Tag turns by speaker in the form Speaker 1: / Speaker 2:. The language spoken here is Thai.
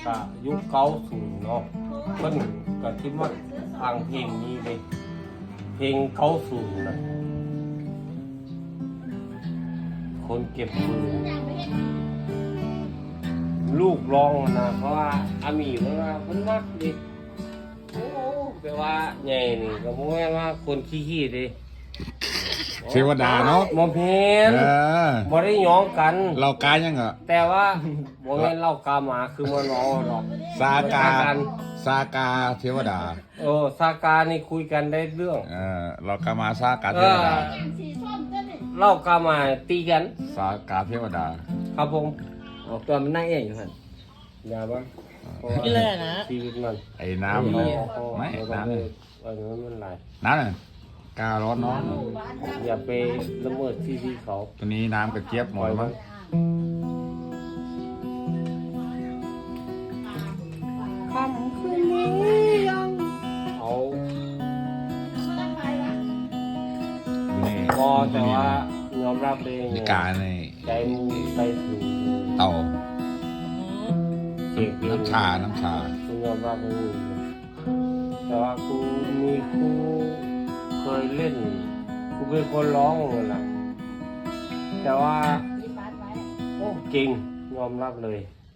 Speaker 1: ก็ยุค90เนาะเพิ่นก็คิดว่าทางเพลงนี้เลยเพลง90นะคนเก็บปืนลูกร้องนะเพราะว่าอามีเพิ่นว่าเพิ่นมักดิโอ้แปลว่าใหญ่นี่ก็บ่แม่นว่าคนขี้ๆดิ
Speaker 2: เทวดาเนาะ
Speaker 1: บ่แม่น บ่ได้หยองกัน
Speaker 2: เรากายยังเหรอ
Speaker 1: แต่ว่าบ่แม่นเล่ากาหมาคือมันเอาหรอก
Speaker 2: ซากาเทวดา
Speaker 1: ซากานี่คุยกันได้เรื่อง
Speaker 2: เรากามาซากาเทวดา
Speaker 1: เล่ากาหมาตีกัน
Speaker 2: ซากาเทวดา
Speaker 1: ครับผม
Speaker 3: ออกตัวมันนั่งเองอยู่หัน
Speaker 1: อย่าบ้าง
Speaker 3: นี่เลยนะ
Speaker 1: ชีวิตมัน
Speaker 2: ไอ้น้ำไม่น้ำ
Speaker 1: อันนั้นมันหลาย
Speaker 2: น้ำน่ะการ้อนน้อน
Speaker 1: อย่าไปละเมิดที่เขา
Speaker 2: ตัวนี้น้ำกระเจี๊ยบหมดมั้ง
Speaker 1: คำคืนนี้ยังเอา
Speaker 2: นี่
Speaker 1: พอแต่ว่ายอมรับเอง
Speaker 2: มีกาใน
Speaker 1: ใจมึงไปถึง
Speaker 2: เต่า
Speaker 1: เสียง
Speaker 2: น้ำชา
Speaker 1: กูยอมรับเองแต่ว่ากูมีครูเคยเล่นกูเป็นคนร้องเลยล่ะแต่ว่าโอ้เก่งยอมรับเลย